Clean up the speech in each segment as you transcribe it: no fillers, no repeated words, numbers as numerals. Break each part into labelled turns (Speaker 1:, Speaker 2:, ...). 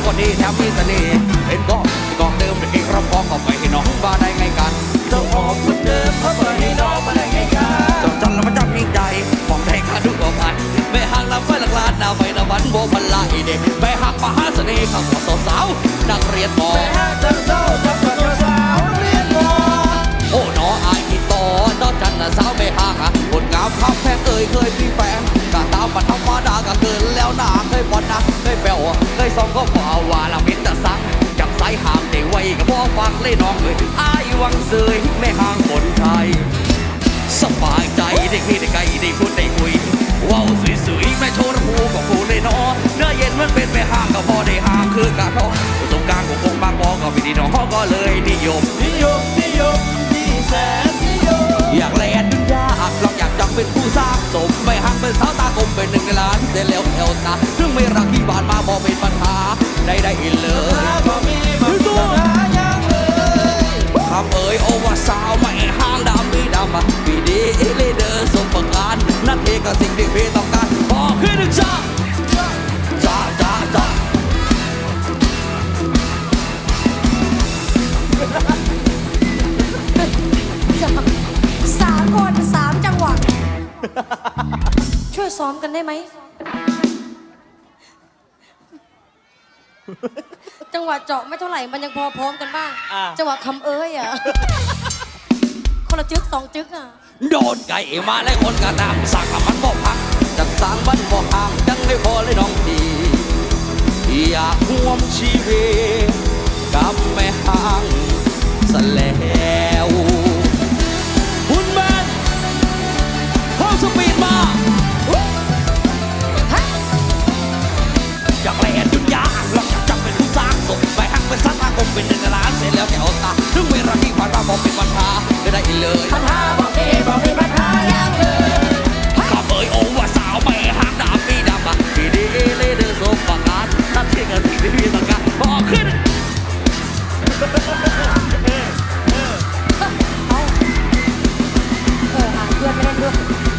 Speaker 1: คนดีแถมมีเสน่ห์เป็นกองเดิมเองรับพองเข้าไปให้น้องบ้าได้ไงกันเจ้าของคนเดิมเขาไปให้น้องมาได้ไงกันจนจันแล้วมันจำยิ่งใจมองได้ค่าดูกว่าพันไม่ห่างลำไฟหลักล้านนาไฟตะวันโบพันลายเด็กไปหักมหาเสน่ห์ข้าวสาวนักเรียนมอไปหักจังเจ้าจับตัวสาวนักเรียนมอโอ้น้ออายกี่ต่อน้อจันสาวไม่ห่างคนงามข้ามแพงเคยมีแฟนกะตามมันธรรมดาก็เกินแล้วนาเคยบอลนะเคยแปลวเคยซองก็บ่าวว่าละมินแต่สังจับสายห่างได้ไว้ก็พอฟังเลยน้องเลยอายวังเสยไม่ห่างคนไทยสบายใจได้คิดได้ไกลได้พูดได้คุยว้าวสวยๆแม่โชว์หูก็พูดเลยน้อเนื้อเย็นมันเป็นไปห่างก็พอได้ห่างคือการน้องประสบการณ์ของคงบางบอก็ไม่ดีน้องก็เลยนิยมที่แสนนิยมอยากแลนดึงยากลองอยากจังเป็นผู้สร้างสมไปห่างเป็นสาวตากลมเป็นหนึ่งในล้านเดี๋ยวแล้วเอวตาถึงไม่รักที่บ้านมาบอกเป็นปัญหาได้เลยก็มีปัญหาอย่างเลยคำเอ่ยโอว่าสาวไม่ห่างดำมีดำปีดีเลเดอร์สมประการนั่นเองก็สิ่งที่พี่ต้องการบอกขึ้นหนึ่งจ้า
Speaker 2: สามคนสามจังหวะช่วยซ้อมกันได้ไหมจังหวะเจาะไม่เท่าไหร่มันยังพอพร้อมกันบ้างจังหวะคำเอ้ยอ่ะคนละจึกสองจึกอ่ะ
Speaker 1: โดนไก่มาแล้วคนกระตามสั่งมันบ่พักจักสั่งมันบ่ห่างจังไม่พอเลยน้องดีอยากร่วมชีวิตกับแม่ห่างซะแล้วคุณแมนห้องสปีดมาอยากแลนดุนยาลองอยากจับเป็นผู้สร้างสมไปหักเป็นสัตว์อากมเป็นหนึ่งล้านเสร็จแล้วแกเอาตาถึงเวลาที่ผ่านมาบอกเป็นปัญหาได้เลย
Speaker 2: ปัญหาบอกมีปัญหาอย่างเลย
Speaker 1: ข้าเบยโอว่าสาวไม่ห่างดำมีดำพี่ดีเลยเดินสมประการนั่นที่กันสิ่งที่พี่ต้องการบอกขึ้น
Speaker 2: เพื่อนไม่เล่นด้วย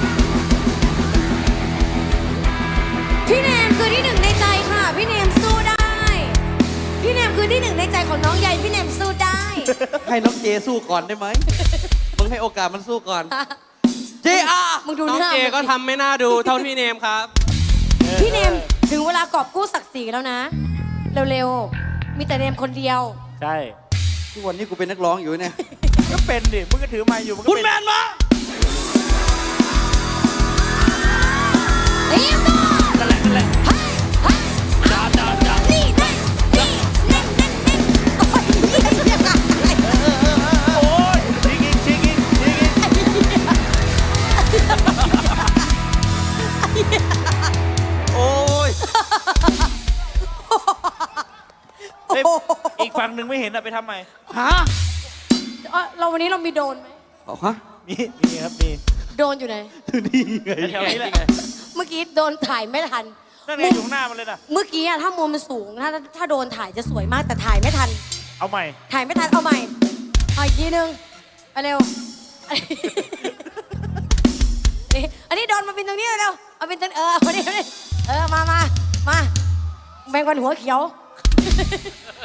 Speaker 2: พี่แนมคือที่หนึ่งในใจค่ะพี่แนมสู้ได้พี่แนมคือที่หนึ่งในใจของน้องใหญ่พี่แนมสู้ได้
Speaker 1: ให้น้องเจสู้ก่อนได้ไหมมึงให้โอกาสมันสู้ก่อนเจอา
Speaker 2: มึงดู
Speaker 3: น้องเจก็ทำไม่น่าดูเท่าพี่เนมครับ
Speaker 2: พี่เนมถึงเวลากอบกู้ศักดิ์ศรีแล้วนะเร็วๆมีแต่เนมคนเดียว
Speaker 4: ใช่
Speaker 1: ทุกวันนี้กูเป็นนักร้องอยู่เนี่ย
Speaker 4: ก็เป็นดิมึงก็ถือไม้อยู่
Speaker 1: คุณแมนมา
Speaker 2: เรียบร้อย
Speaker 1: นั่นแหละจ้า
Speaker 2: นี่เน่
Speaker 4: โอ้ยชิงอีก
Speaker 1: โอ้ย
Speaker 4: อีกฝั่งหนึ่งไม่เห็นอะไปทำไม
Speaker 1: ฮะ
Speaker 2: เราวันนี้เรามีโดนไหม
Speaker 1: ฮะ
Speaker 4: มีครับมี
Speaker 2: โดนอยู่ไหน
Speaker 1: นี่ไง
Speaker 4: แถวนี้แหละ
Speaker 2: เมื่อกี้โดนถ่ายไม่ทัน
Speaker 4: นั่นไงอยู่ข้างหน้ามันเลยนะ
Speaker 2: เมื่อกี้อะถ้ามุมมันสูงถ้าโดนถ่ายจะสวยมากแต่ถ่ายไม่ทัน
Speaker 4: เอาใหม่
Speaker 2: ถ่ายไม่ทันเอาใหม่เอาอีกทีนึงเอาเร็วอันนี้โดนมาเป็นตรงนี้เร็วเอาเป็นตรงมาดิมาแบ่งกันหัวเขียว